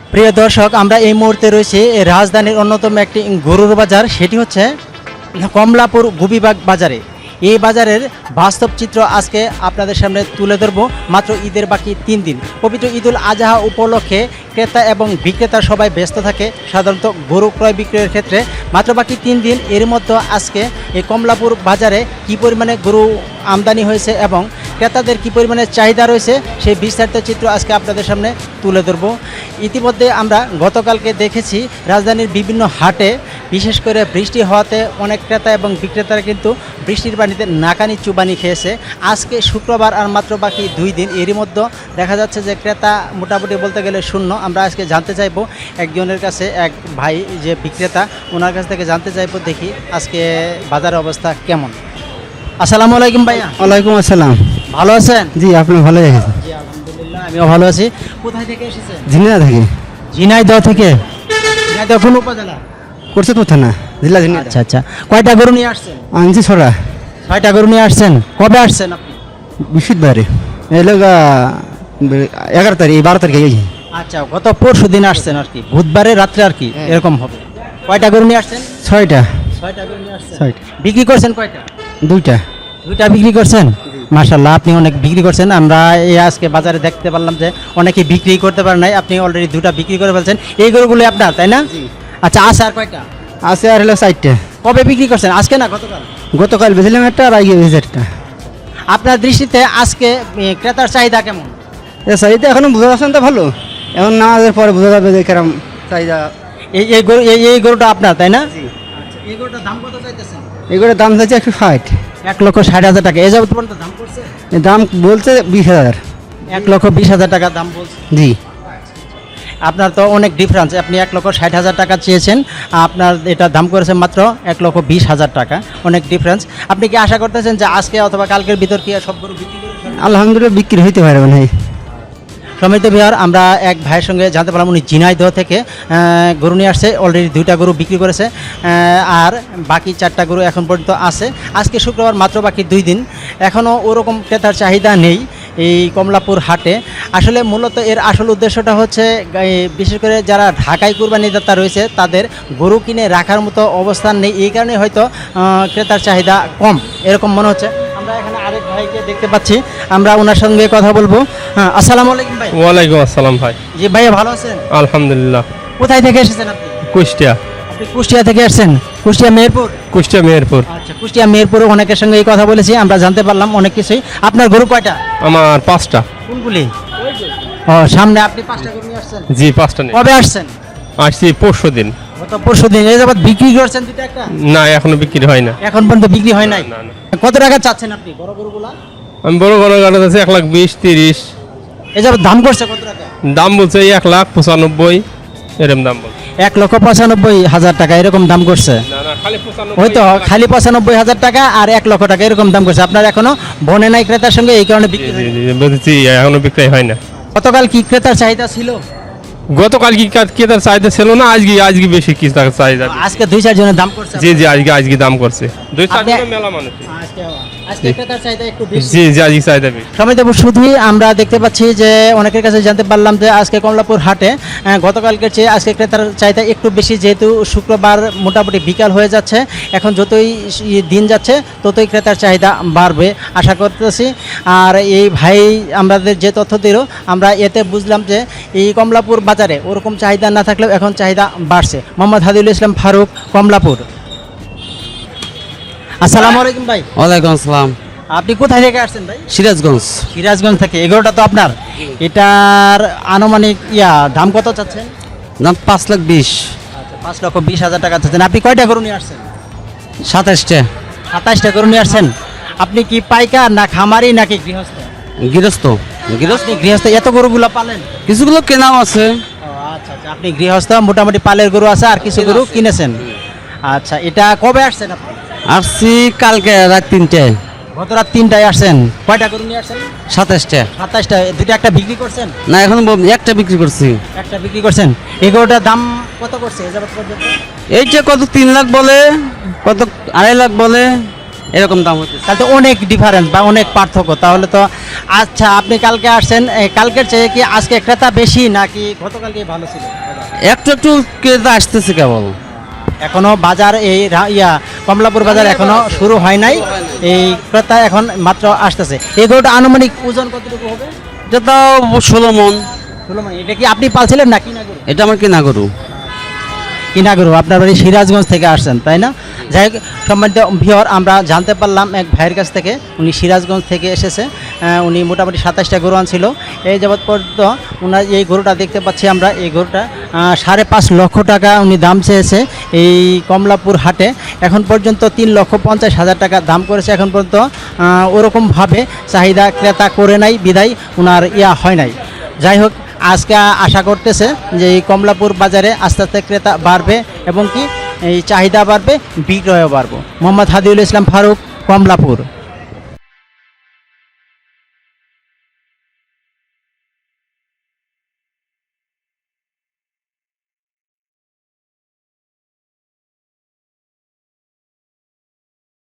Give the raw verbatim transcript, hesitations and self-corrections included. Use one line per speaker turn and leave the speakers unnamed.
প্রিয় দর্শক, আমরা এই মুহূর্তে রয়েছি রাজধানীর অন্যতম একটি গরুর বাজার, সেটি হচ্ছে কমলাপুর গুবিবাগ বাজারে। এই বাজারের বাস্তব চিত্র আজকে আপনাদের সামনে তুলে ধরবো। মাত্র ঈদের বাকি তিন দিন, পবিত্র ঈদুল আজহা উপলক্ষে ক্রেতা এবং বিক্রেতা সবাই ব্যস্ত থাকে সাধারণত গরু ক্রয় বিক্রয়ের ক্ষেত্রে। মাত্র বাকি তিন দিন, এর মধ্যে আজকে এই কমলাপুর বাজারে কী পরিমাণে গরু আমদানি হয়েছে এবং ক্রেতাদের কী পরিমাণে চাহিদা রয়েছে সেই বিস্তারিত চিত্র আজকে আপনাদের সামনে তুলে ধরব। ইতিমধ্যে আমরা গতকালকে দেখেছি রাজধানীর বিভিন্ন হাটে, বিশেষ করে বৃষ্টি হওয়াতে অনেক ক্রেতা এবং বিক্রেতারা কিন্তু বৃষ্টির পানিতে নাকানি চুবানি খেয়েছে। আজকে শুক্রবার আর মাত্র বাকি দুই দিন, এরই মধ্যে দেখা যাচ্ছে যে ক্রেতা মোটামুটি বলতে গেলে শূন্য। আমরা আজকে জানতে চাইবো একজনের কাছে, এক ভাই যে বিক্রেতা, ওনার কাছ থেকে জানতে চাইবো দেখি আজকে বাজারের অবস্থা কেমন। আসসালামু আলাইকুম ভাইয়া।
ওয়ালাইকুম আসসালাম।
ভালো আছেন?
জি, আপনি ভালো রেখেছেন?
জি আলহামদুলিল্লাহ, আমিও ভালো আছি। কোথায় থেকে এসেছেন?
ঝিনাইদহ থেকে।
ঝিনাইদহ থেকে? ঝিনাইদহ কোন উপজেলা?
করছে তো থানা, জেলা ঝিনাইদহ।
আচ্ছা আচ্ছা, কয়টা গরু নিয়ে আসছেন?
আনছি ছড়া।
ছয়টা গরু নিয়ে আসছেন। কবে আসছেন আপনি?
বৃহস্পতিবারে এলো গা, এগারো তারিখ, এই বারো তারিখে এই।
আচ্ছা, গত পরশু দিন আসছেন আর কি, বুধবারে রাত্রে আর কি এরকম হবে। কয়টা গরু নিয়ে আসছেন?
ছয়টা।
ছয়টা গরু নিয়ে আসছেন।
ছয়টা।
বিক্রি করছেন কয়টা?
দুইটা।
দুইটা বিক্রি করছেন? মাশাআল্লাহ, আপনি অনেক বিক্রি করছেন। আমরা এই আজকে বাজারে দেখতে পারলাম যে অনেকে বিক্রি করতে পারে নাই, আপনি অলরেডি দুটা বিক্রি করে ফেলছেন। এই গরুগুলো আপনার, তাই না? আচ্ছা, আছে আর কয়টা?
আছে আর হলো চারটা।
কবে বিক্রি করছেন? আজকে না গতকাল?
গতকাল বেছিলাম একটা, আর আগে বেশি একটা।
আপনার দৃষ্টিতে আজকে এ, ক্রেতার চাহিদা কেমন?
এ চাহিদা এখনো বোঝা যাচ্ছে না, তো ভালো। এখন নামাজের পরে বোঝা যাবে যে কেরম চাহিদা।
এই এই গরু এই এই গরুটা আপনার, তাই না? আচ্ছা, এই গরুটার দাম কত চাইতেছেন?
এগুলোর দাম চাইছে একশো ষাট।
এক লক্ষ ষাট হাজার টাকা। এই যাবত পর্যন্ত দাম করছে?
এর দাম বলছে বিশ হাজার।
এক লক্ষ বিশ হাজার টাকা দাম বলছে।
জি।
আপনার তো অনেক ডিফারেন্স। আপনি এক লক্ষ ষাট হাজার টাকা চেয়েছেন, আপনার এটা দাম করেছে মাত্র এক লক্ষ বিশ হাজার টাকা, অনেক ডিফারেন্স। আপনি কি আশা করতেছেন যে আজকে অথবা কালকের ভিতর কি সব গরু বিক্রি করে ফেলবেন?
আলহামদুলিল্লাহ বিক্রি হইতে পারে মানে।
সমিত বিহার, আমরা এক ভাইয়ের সঙ্গে জানতে পারলাম উনি ঝিনাইদহ থেকে আহ, গরু নিয়ে আসছে, অলরেডি দুইটা গরু বিক্রি করেছে, আহ, আর বাকি চারটা গরু এখন পর্যন্ত আছে। আজকে শুক্রবার, মাত্র বাকি দুই দিন, এখনও ওরকম ক্রেতার চাহিদা নেই এই কমলাপুর হাটে। আসলে মূলত এর আসল উদ্দেশ্যটা হচ্ছে এই বিশেষ করে যারা ঢাকায় কুরবানিদাতা রয়েছে তাদের গরু কিনে রাখার মতো অবস্থান নেই, এই কারণে হয়তো আহ, ক্রেতার চাহিদা কম এরকম মনে হচ্ছে। আমরা এখানে আরেক ভাইকে দেখতে পাচ্ছি, আমরা ওনার সঙ্গে কথা বলবো। হ্যাঁ, আসসালামু আলাইকুম ভাই।
ওয়ালাইকুম আসসালাম ভাই।
জি ভাইয়া, ভালো আছেন?
আলহামদুলিল্লাহ।
কোথায় থেকে এসেছেন আপনি?
কুষ্টিয়া।
আপনি কুষ্টিয়া থেকে এসেছেন? কুষ্টিয়া মেহেরপুর?
কুষ্টিয়া মেহেরপুর।
আচ্ছা, কুষ্টিয়া মেহেরপুরে অনেকের সঙ্গে এই কথা বলেছি, আমরা জানতে পারলাম অনেক কিছুই। আপনার গরু কয়টা?
আমার পাঁচটা।
কোনগুলি? ও, সামনে আপনি পাঁচটা গরু নিয়ে আসছেন?
জি, পাঁচটা নেই।
কবে আসছেন?
আসছি পরশু দিন।
গত পরশু দিন। এই যাবৎ বিক্রি করছেন দুটো একটা?
না, এখনো বিক্রি হয় না।
এখন পর্যন্ত বিক্রি হয় নাই?
না, না।
কত টাকা চাচ্ছেন আপনি বড় গরুগুলা?
আমি বড় বড় গাড়ি আছে এক লাখ বিশ তিরিশ।
এই যাবৎ দাম করছে কত টাকা?
দাম বলছে এক লাখ পঁচানব্বই, এরকম দাম বলছে।
এক লক্ষ পঁচানব্বই হাজার টাকা এরকম দাম করছে?
না না, খালি পঁচানব্বই।
হয়তো খালি পঁচানব্বই হাজার টাকা আর এক লক্ষ টাকা এরকম দাম করছে। আপনার এখনো বনে নাই ক্রেতার সঙ্গে, এই কারণে
জি
বিক্রি
জি
হয়নি।
জি, বলছি এখনো বিক্রি হয় না।
গতকাল কি ক্রেতার চাহিদা ছিল?
গতকাল কি কেতার চাহিদা ছিল না, আজকে আজকে বেশি কি তার চাহিদা।
আজকে দুই চার জনের দাম করছে?
জি জি, আজকে আজকে দাম করছে দুই চার
আপনি-
জনের মেলা মানুষ।
আজকে আজকে ক্রেতার চাহিদা একটু বেশি।
জি জি, আজকে চাহিদা বেশি।
সমিতিবাবু, শুধুই আমরা দেখতে পাচ্ছি যে অনেকের কাছে জানতে পারলাম যে আজকে কমলাপুর হাটে আহ, গতকালকের চেয়ে আজকে ক্রেতার চাহিদা একটু বেশি, যেহেতু শুক্রবার মোটামুটি বিকাল হয়ে যাচ্ছে। এখন যতই ই- দিন যাচ্ছে ততই ক্রেতার চাহিদা বাড়বে আশা করতেছি। আর এই ভাই আমাদের যে তথ্য দিল, আমরা এতে বুঝলাম যে এই কমলাপুর বাজারে ওরকম চাহিদা না থাকলেও এখন চাহিদা বাড়ছে। মোহাম্মদ হাদিউল ইসলাম ফারুক, কমলাপুর। আসসালামু আলাইকুম ভাই।
ওয়ালাইকুম আসসালাম।
আপনি কোথায় থেকে আসছেন ভাই?
সিরাজগঞ্জ।
সিরাজগঞ্জ থেকে। এগারোটা তো আপনার? এটার আনুমানিক ইয়া দাম কত চাচ্ছেন?
দাম পাঁচ লাখ বিশ।
আচ্ছা, পাঁচ লক্ষ বিশ হাজার টাকা চাচ্ছেন। আপনি কয়টা গরু নিয়ে আসছেন?
সাতাশটা।
সাতাশটা গরু নিয়ে আসছেন। আপনি কি পাইকার না খামারি নাকি গৃহস্থ?
গৃহস্থ। গৃহস্থ।
আপনি গৃহস্থ, এত গরুগুলো পালেন?
কিছুগুলো কেনাও আছে।
ও আচ্ছা আচ্ছা, আপনি গৃহস্থ, মোটামুটি পালের গরু আছে আর কিছু গরু কিনেছেন। আচ্ছা, এটা কবে আসছেন আপনি?
আসছি কালকে রাত তিনটায়।
গত রাত তিনটায় আসছেন। কয়টা গরু নিয়ে আসছেন?
সাতাশটা।
সাতাশটা। দুটো একটা বিক্রি করছেন?
না, এখন একটা বিক্রি করছি।
একটা বিক্রি করছেন। এগারোটার দাম কত করছে এ যাবৎ পর্যন্ত?
এইটা কত তিন লাখ বলে, কত আড়াই লাখ বলে।
এরকম দাম হচ্ছে।
তাহলে তো অনেক ডিফারেন্স বা অনেক পার্থক্য তাহলে তো। আচ্ছা, আপনি কালকে আসছেন, এই কালকের চেয়ে কি আজকে ক্রেতা বেশি নাকি গতকালকে ভালো ছিল বাজার?
একটু একটু ক্রেতা আসতেছে কেবল।
এখনো বাজার এই রা- ইয়া কমলাপুর বাজার এখনো শুরু হয় নাই, এই ক্রেতা এখন মাত্র আসতেছে। এই গরুটা আনুমানিক ওজন কতটুকু হবে?
এটা তো ষোলো মন।
ষোলো মানে এটা কি আপনি পালছিলেন না কিনা গরু?
এটা আমার কিনা গরু।
কিনা গরু, আপনার বাড়ি সিরাজগঞ্জ থেকে আসছেন তাই না? যাই হোক, সম্মানিত ভিওর, আমরা জানতে পারলাম এক ভাইয়ের কাছ থেকে, উনি সিরাজগঞ্জ থেকে এসেছে। আহ, উনি মোটামুটি সাতাশটা গরু আনছিল। এই যাবৎ পর্যন্ত ওনার এই গরুটা দেখতে পাচ্ছি আমরা, এই গরুটা আহ, সাড়ে পাঁচ লক্ষ টাকা উনি দাম চেয়েছে এই কমলাপুর হাটে। এখন পর্যন্ত তিন লক্ষ পঞ্চাশ হাজার টাকা দাম করেছে। এখন পর্যন্ত আহ, ওরকমভাবে চাহিদা ক্রেতা করে নাই, বিদায় ওনার ইয়া হয় নাই। যাই হোক, আজকে আশা করতেছে যে এই কমলাপুর বাজারে আস্তে আস্তে ক্রেতা বাড়বে এবং কি এই চাহিদা বাড়বে, বিক্রয়ও বাড়বে। মোহাম্মদ হাদিউল ইসলাম ফারুক, কমলাপুর।